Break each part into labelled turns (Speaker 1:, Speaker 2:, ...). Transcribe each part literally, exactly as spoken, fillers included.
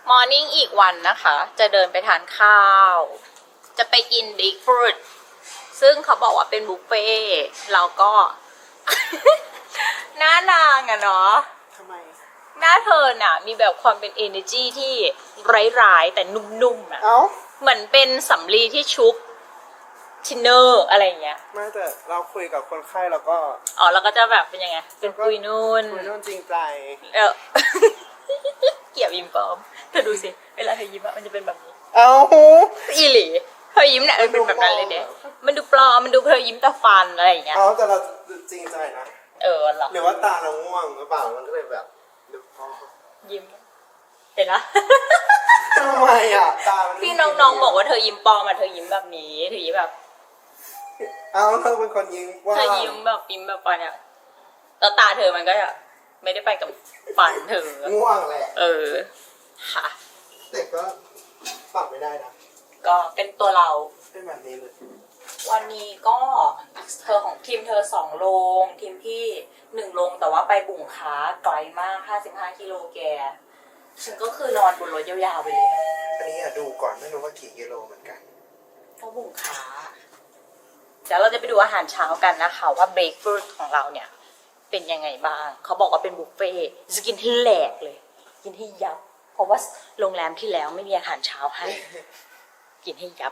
Speaker 1: มอร์นิ่งอีกวันนะคะ จะเดินไปทานข้าว จะไปกินบิ๊กฟรุตซึ่งเขาบอกว่าเป็นบุฟเฟ่เราก็ หน้านางอะเนาะทำไมหน้าเธอน่ะมีแบบความเป็น energy ที่ร้ายๆแต่นุ่มๆอะเหมือนเป็นสำลีที่ชุบทินเนอร์อะไรอย่างเงี้ย
Speaker 2: ไม่แต่เราคุยกับคนไข้แล้วก็
Speaker 1: อ๋อเราก็จะแบบเป็นยังไงเป็นคุยนุ่น
Speaker 2: คุยนุ่นจริงใจ
Speaker 1: เออ เกี่ยวยิ้มปลอมเธอดูสิเวลาเธอยิ้มอะมันจะเป็นแบบนี้
Speaker 2: เอ้า
Speaker 1: อีหลีเธอยิ้มเนี่ยมันเป็นแบบนั้นเลยเด้มันดูปลอมมันดูเธอยิ้มตาฟันอะไรอย่างเงี้ย
Speaker 2: เอ้าแต่เราจริงใจนะ
Speaker 1: เออหรอ
Speaker 2: หรือว่าตาเราง่วงหรือเปล่ามันก็เลยแบบดูพอ
Speaker 1: ยิ้มเห็นละ
Speaker 2: ทำไมอ่ะตา
Speaker 1: พี่น้องๆบอกว่าเธอยิ้มปลอมอะเธอยิ้มแบบนี้เธอยิ้มแบบ
Speaker 2: เอ้าเธอเป็นคนยิ้มว่า
Speaker 1: เธอยิ้มแบบยิ้มแบบฟันเนี่ยแล้วตาเธอมันก็จะไม่ได้ไปกับฟันเธอ
Speaker 2: ง่วงแหละ
Speaker 1: เออค่ะ
Speaker 2: แต่ก็ปรับไม่ได้นะ
Speaker 1: ก็เป็นตัวเรา
Speaker 2: เป็นแบบนี้เลย
Speaker 1: วันนี้ก็เธอของทีมเธอสองโรงทีมที่หนึ่งโรงแต่ว่าไปบุ่งค้าไกลมากห้าสิบห้ากิโลแกฉันก็คือนอนบนรถยาวๆไปเลย
Speaker 2: อันนี้อะดูก่อนไม่รู้ว่ากี่กิโลเหมือนกัน
Speaker 1: เพราะบุ่งค้าเดี๋ยวเราจะไปดูอาหารเช้ากันนะคะว่าเบรกฟรุตของเราเนี่ยเป็นยังไงบ้างเขาบอกว่าเป็นบุฟเฟ่จะกินให้แหลกเลยกินให้ยับเพราะว่าโรงแรมที่แล้วไม่มีอาหารเช้าให้กินให้ยับ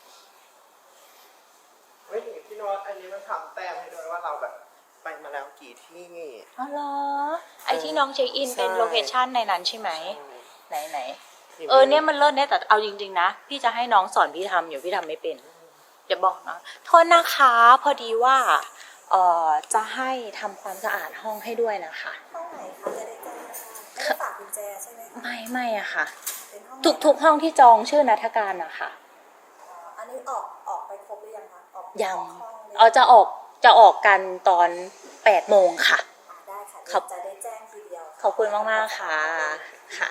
Speaker 2: เฮ้ยพี่โน้ตอันนี้มันทำแต้มให้ด้วยว่าเราแบบไปมาแล้วกี่ที่
Speaker 1: อ๋อเหรอไอที่น้องเช็คอินเป็นโลเคชั่นในนั้นใช่ไหมไหนไหนเออเนี่ยมันเลิศเนี่ยแต่เอาจริงๆนะพี่จะให้น้องสอนพี่ทำอยู่พี่ทำไม่เป็นเดี๋ยวบอกนะโทษนะคะพอดีว่าเอ่อจะให้ทำความสะอาดห้องให้ด้วยนะคะ
Speaker 3: ห้องไหนคะจะได้แจ้งไม่ได้ฝากกุญแจใช่ไหม
Speaker 1: ไม่ไม่อะค่ะทุกทุกห้องที่จองชื่อนัฐการนะคะ
Speaker 3: อันนี้ออกออกไปครบหรือยังคะออก
Speaker 1: ยังเอาจะออกจะออกกันตอนแปดโมงค่ะ
Speaker 3: ได้ค่ะจะได้แจ้งทีเดียว
Speaker 1: ขอบคุณมากมากค่ะค่ะ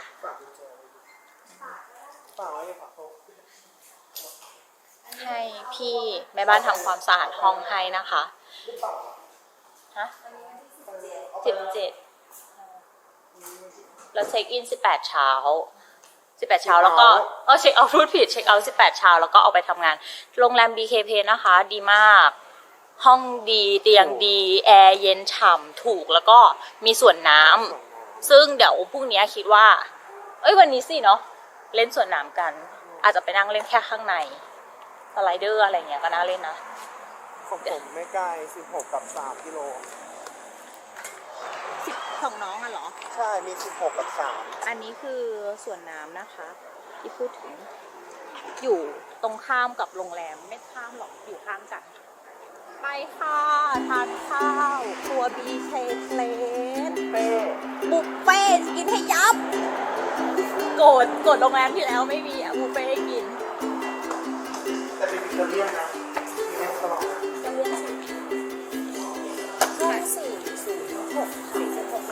Speaker 1: ให้พี่แม่บ้านทำความสะอาดห้องให้นะคะฮะสิบเจ็ดแล้วเช็คอินสิบแปดเช้าสิบแปดเช้าแล้วก็เออเช็คเอาท์พูดผิดเช็คเอาท์สิบแปดเช้าแล้วก็เอาไปทำงานโรงแรม บี เค เพ นะคะดีมากห้องดีเตียงดีแอร์เย็นฉ่ำถูกแล้วก็มีสวนน้ำซึ่งเดี๋ยวพรุ่งนี้คิดว่าเอ้ยวันนี้สิเนาะเล่นสวนน้ำกันอาจจะไปนั่งเล่นแค่ข้างในสไลเดอร์อะไรเงี้ยก็น่าเล่นนะ
Speaker 2: ของผมไม่ไกลสิบหกกับสามกิโล
Speaker 1: สิบของน้องอะเหรอ
Speaker 2: ใช่มีสิบหกกับสาม
Speaker 1: อันนี้คือสวนน้ำนะคะที่พูดถึงอยู่ตรงข้ามกับโรงแรมไม่ข้ามหรอกอยู่ข้างกันไปค่ะทานข้าวครัว บี เค เพลนบุฟเฟ่กินให้ยับโกรธโกรธโรงแรมที่แล้วไม่มีอะบุฟเฟ่ให้กิน
Speaker 2: แต่เป็นอิตาเลียนนะมีแม่ตลอด
Speaker 3: อิตาเลียนห้องสี่ศูนย์หกสี่สิบหก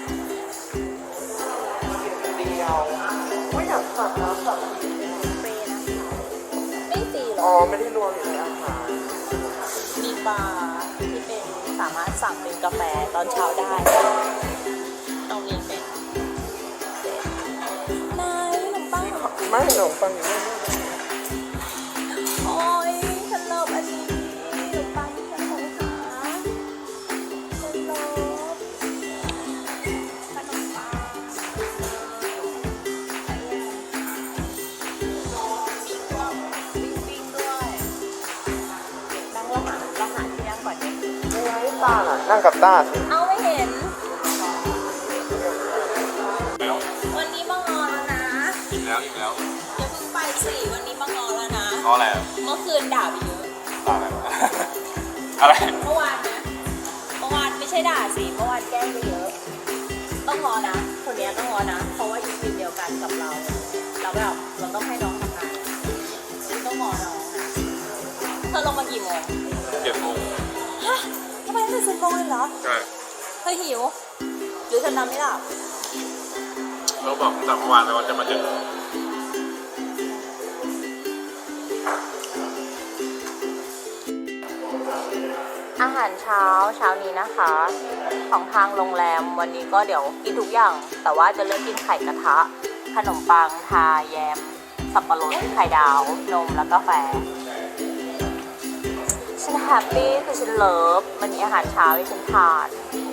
Speaker 2: เดียวไม่อยากสั่งนะสั่ง
Speaker 1: เฟ่นะคะไม่ตีหรอ
Speaker 2: อ๋อไม่ได้รวมอยู่ในอาหาร
Speaker 1: มีบาร์ที่เป็นสามารถสั่งเป็นกาแฟตอนเช้าได้ตรงนี้เป็นนายขนมปัง
Speaker 2: ไม่ขนมปังอยู่นี่
Speaker 1: โอ้ยฉันเลิฟอันนี้ขนมปังที่ฉันสงหาฉันเลิฟขนมปังปิ้งๆด้วยนั่งเราหาเราหาที่นั่งก่อนเนี่ย
Speaker 2: ไม่ไว้ต้าน่ะนั่งกับต้าสิ
Speaker 1: เอาไม่เห็นวันนี้มางอแล้วนะ
Speaker 4: อีกแล้วอีกแล้ว
Speaker 1: อย่าเพิ่งไปสิวันนี้มางอแล้วนะ
Speaker 4: งออะไร
Speaker 1: เมื่อคืนด่าไปเยอะ
Speaker 4: ด่าอะไรอะไร
Speaker 1: เมื่อวานนะเมื่อวานไม่ใช่ด่าสิเมื่อวานแกล้งไปเยอะต้องงอนะคนนี้ต้องงอนะเพราะว่าอยู่ทีมเดียวกันกับเราเราแบบเราต้องให้น้องทำงานต้องงอน้องนะเธอลงมากี่โมง
Speaker 4: เจ็ดโมง
Speaker 1: ฮะทำไมไม่สิบโมงเลยเหรอ
Speaker 4: ใช่
Speaker 1: เธอหิวหรือเธอนอนไม่หลับ
Speaker 4: เราบอกตั้งแต่เมื่อวานแล้วว่าจะมาถึง
Speaker 1: อาหารเช้าเช้านี้นะคะของทางโรงแรมวันนี้ก็เดี๋ยวกินทุกอย่างแต่ว่าจะเลือกกินไข่กระทะขนมปังทาแยม สับปะรดไข่ดาว นมแล้วก็กาแฟ ฉันแฮปปี้คือฉันเลิฟมันมีอาหารเช้าให้ฉันทาน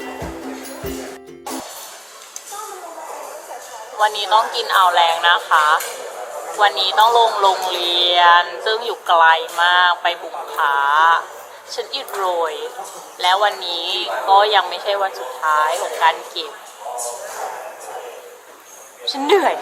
Speaker 1: วันนี้ต้องกินเอาแรงนะคะ วันนี้ต้องลงโรงเรียน ซึ่งอยู่ไกลมากไปบุกค้า ฉันอิดโรย แล้ววันนี้ก็ยังไม่ใช่วันสุดท้ายของการเก็บ ฉันเหนื่อย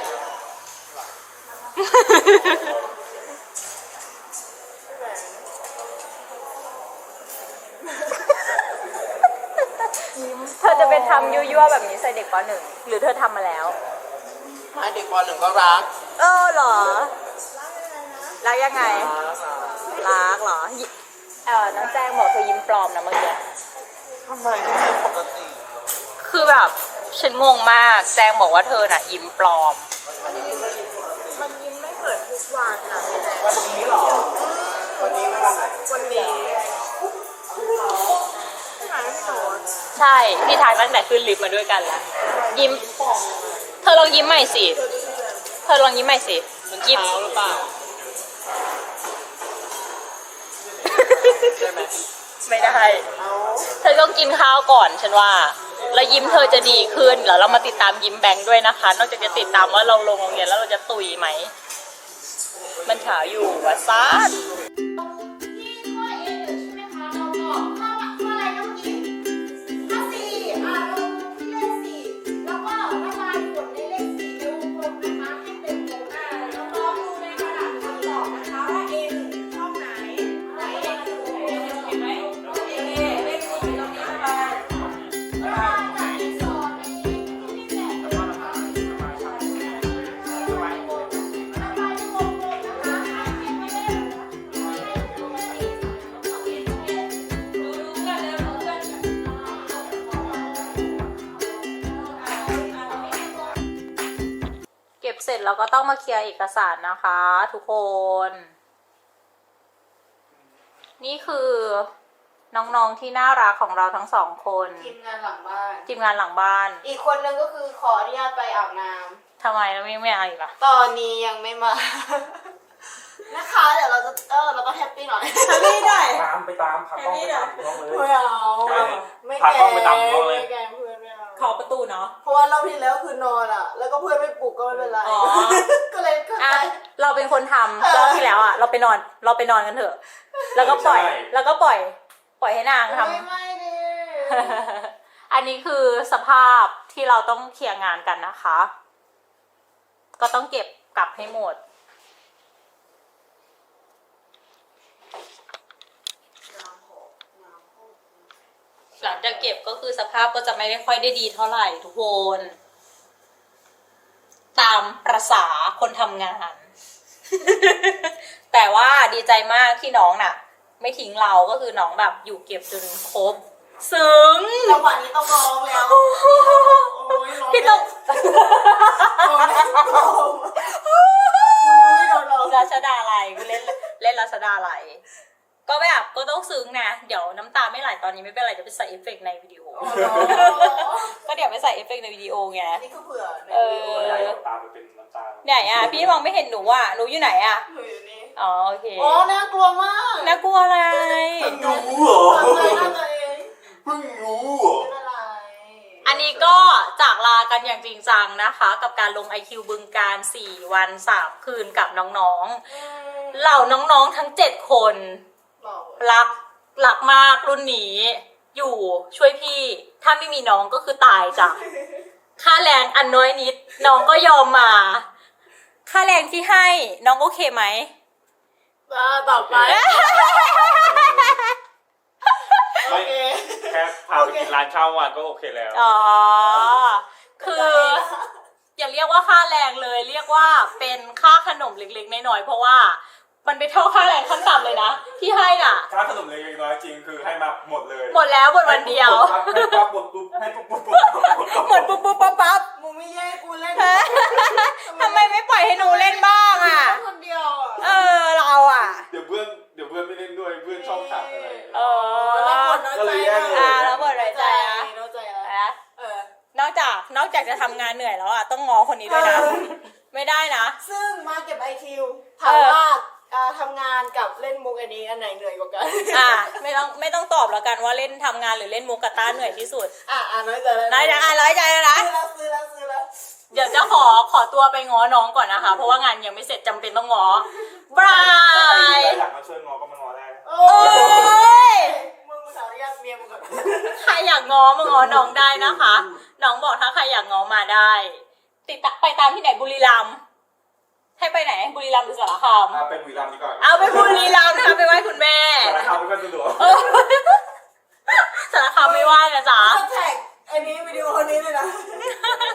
Speaker 1: เธอจะไปทำยั่วๆแบบนี้ใส่เด็กปหนึ่งหรือเธอทำมาแล้ว
Speaker 2: ให้เด็กปหนึ่งก็รัก
Speaker 1: เออเหรอ รักยังไง รักเหรอ เออน้องแจ้งบอกเธอยิ้มปลอมนะเมื่อกี้
Speaker 2: ทำไมไม่ใช่ปกติ
Speaker 1: คือแบบฉันงงมาก แจ้งบอกว่าเธอน่ะยิ้มปลอม
Speaker 3: มันยิ้มไม่เปิดทุกวันนะ
Speaker 2: วันนี้เหรอ วันนี้ไม่วันไหน
Speaker 3: วันนี้ใช่ไหมพี่โน้ต
Speaker 1: ใช่ พี่ทายตั้งแต่ขึ้นลิฟต์มาด้วยกันแล้ว ยิ้ม เธอลองยิ้มใหม่สิ เธอลองยิ้มใหม่สิ
Speaker 2: มัน
Speaker 1: ยิ้ม
Speaker 2: เช้าหรือเปล่า ใช่ไหม
Speaker 1: ไม่ได้
Speaker 2: เอา
Speaker 1: เธอต้องกินข้าวก่อนฉันว่า แล้วยิ้มเธอจะดีขึ้น แล้วเรามาติดตามยิ้มแบงค์ด้วยนะคะ นอกจากจะติดตามว่าเราลงโรงเรียนแล้วเราจะตุยไหม มันเฉาอยู่วัดซ่าน
Speaker 3: ที่ข้อเอหนึ่งใช่ไหมคะเราบอกข้อข้ออะไรนะเมื่อกี้ข้อสี่อ่าลงที่เลขสี่แล้วก็ระบายผลในเลขสี่ในวงกลมนะคะให้เป็นวงอ่าน้องๆดูในกระดาษคำตอบนะคะว่าเอหนึ่งช่องไหนไหนเอหนึ่งเห็นไหมเอเลขสี่ตรงนี้ระบายระบายจากที่สองในที่แปดระบายระบายในวงกลมนะคะให้เป็นเลข
Speaker 1: เก็บเสร็จเราก็ต้องมาเคลียร์เอกสารนะคะทุกคน นี่คือน้องๆที่น่ารักของเราทั้งสองคน
Speaker 3: ทีมงานหลังบ้าน
Speaker 1: ทีมงานหลังบ้าน
Speaker 3: อีกคนนึงก็คือขออนุญาตไปอาบน้
Speaker 1: ทำไมเราไม่ไม่เอาอีกล่ะ
Speaker 3: ำ ตอนนี้ยังไม่มา นะคะเดี๋ยวเราจะเออเราต้องแฮปปี้หน่อยไม่ได้
Speaker 4: ตามไปตามพากล้องไปตามน้องเลย
Speaker 3: ไม่เอา
Speaker 4: ใช่
Speaker 3: ไม่
Speaker 4: พา
Speaker 3: แก
Speaker 4: กล้องไปตามน้องเลย
Speaker 3: ไม่แกล้งเพื่อนไม่เอา
Speaker 1: ขอประตูเนาะ
Speaker 3: เพราะว่ารอบที่แล้วคือนอนอ่ะ แล้วก็เพื่อนไม่ปลุกก็ไม่เป็นไร
Speaker 1: อ๋อ
Speaker 3: ก็เลยเข้า
Speaker 1: อ่ะ
Speaker 3: ใจ
Speaker 1: เราเป็นคนทำรอบที่แล้วอ่ะ เราไปนอน เราไปนอนกันเถอะ แล้วก็ปล่อย
Speaker 4: ใช่
Speaker 1: แล้วก็ปล่อย ปล่อยให้นางท
Speaker 3: ไม่ไม่ดิ
Speaker 1: ำ อันนี้คือสภาพที่เราต้องเคลียร์งานกันนะคะ ก็ต้องเก็บกลับให้หมด หลังจากเก็บก็คือสภาพก็จะไม่ได้ค่อยได้ดีเท่าไหร่ทุกคน ตามประษาคนทำงาน แต่ว่าดีใจมากที่น้องน่ะ ไม่ทิ้งเราก็คือน้องแบบอยู่เก็บจนครบ ซึ้ง
Speaker 3: จังหวะนี้ต้องร้องแล้วโอ้ยร้อง
Speaker 1: พี่ต้อง
Speaker 3: ร้องแล้วร้องไม่โดนร้อง
Speaker 1: ราชดาลัยเล่นเล่นราชดาลัยก็แบบก็ต้องซึ้งนะเดี๋ยวน้ำตาไม่ไหลตอนนี้ไม่เป็นไรเดี๋ยวไปใส่เอฟเฟกต์ในวิดีโอ ก็เดี๋ยวไปใส่เอฟเฟกต์ในวิดีโอไง
Speaker 3: นี่คือเผื่อ
Speaker 1: เออ
Speaker 4: ใหญ่ตามไปเป็นน้ำตา
Speaker 1: ไหนอ่ะพี่มองไม่เห็นหนูอ่ะหนูอยู่ไหนอ่ะ
Speaker 3: เผื่ออยู่นี่
Speaker 1: อ๋อโอเค
Speaker 3: โอ้น่ากลัวมาก
Speaker 1: น่ากลัวอะไร
Speaker 4: รู้เหรอ
Speaker 3: ทำอะไรน่าตัวเอง
Speaker 4: เพิ่งรู้เหรอ
Speaker 3: เป็นอะไร
Speaker 1: อันนี้ก็จากลากันอย่างจริงจังนะคะ กับการลง ไอ คิว บึงการสี่วันสามคืนกับน้องๆเหล่าน้องๆทั้งเจ็ดคน
Speaker 3: บอก
Speaker 1: รักรักมากรุ่นนี้ อยู่ช่วยพี่ ถ้าไม่มีน้องก็คือตายจ้ะ ค่าแรงอันน้อยนิด น้องก็ยอมมา ค่าแรงที่ให้น้องโอเคไหม
Speaker 3: อ่าต่อไป โอ
Speaker 4: ไม่
Speaker 3: เค
Speaker 4: แค่พาไปกินร้านข้าววันก็โอเคแล้ว
Speaker 1: อ๋อ คือ อย่าเรียกว่าค่าแรงเลย เรียกว่าเป็นค่าขนมเล็กๆน้อยๆเพราะว่ามันไปเท่าค่าแรงขั้นต่ำเลยนะที่ให้น่ะ
Speaker 4: ค่าขนมเล็กๆน้อยๆจริงคือให้มาหมดเลย
Speaker 1: หมดแล้วหมดวันเดียว
Speaker 4: ให้ปั๊บหมดปุ๊บให้ปุ๊บปุ๊บปุ๊บปุ๊บ
Speaker 1: หมดปุ๊บปุ๊บปั๊บปั๊บ
Speaker 3: มึงไม่แย่งกูเล่น
Speaker 1: ทำไมไม่ปล่อยให้หนูเล่นบ้างอ่ะ
Speaker 3: คนเดียวอ่ะ
Speaker 1: เออเราอ่ะ
Speaker 4: เดี๋ยวเพื่อนเดี๋ยวเพื่อนไม่เล่นด้วยเพื่อนชอบขัดอะไร
Speaker 1: เออ
Speaker 3: แล้วปวดน้อย
Speaker 4: ก็
Speaker 3: ใจ
Speaker 4: เลยแย่งเลย
Speaker 1: อ่าแล้วหมดรายใจนะ
Speaker 3: น้อยใจแล้ว
Speaker 1: นะ
Speaker 3: เออ
Speaker 1: นอกจากนอกจากจะทำงานเหนื่อยแล้วอ่ะต้องงอคนนี้ด้วยนะ
Speaker 3: คิวถามว่าอ่าทำงานกับเล่นมุกอันนี้อันไหนเหนื่อยกว่ากัน
Speaker 1: อ่ะไม่ต้องไม่ต้องตอบแล้วกันว่าเล่นทำงานหรือเล่นมุกกบต้าเหนื่อยที่สุด
Speaker 3: อ่ะอ่ะน้อยใจแล้ว
Speaker 1: น้อยใจอ่ะร้อยใจแล้วนะ
Speaker 3: ซื้อแล้วซื้อแล้วซื้อแล้ว
Speaker 1: เดี๋ยวจะขอขอตัวไปง้อน้องก่อนนะคะ เพราะว่างานยังไม่เสร็จจำเป็นต้องง้อบา
Speaker 4: ถ้าใคร
Speaker 1: ย
Speaker 4: อยากมาช่วยงอก็มางอได้นะ
Speaker 3: โอ้ยมึงภาษาอนุญาตเมียมึงก่อน
Speaker 1: ใครอยากง้อมาง้อน้องได้นะคะ น้องบอกถ้าใครอยากง้อมาได้ ติดตามไปตามที่ไหนบุรีรัมย์ให้ไปไหนบุรีรัมย์หรือสารคาม
Speaker 4: อ่ะเป็นวีรัมย์ดีกว่า
Speaker 1: เอาไปบุรีรัมย์นะคะไปไหว้คุณแม่
Speaker 4: สารคามไม่ค่อยสะดวก
Speaker 1: เออสารคามไม่ไหว้นะจ๊ะ
Speaker 3: จะแท็กอันนี้วิดีโอนี้เลยนะ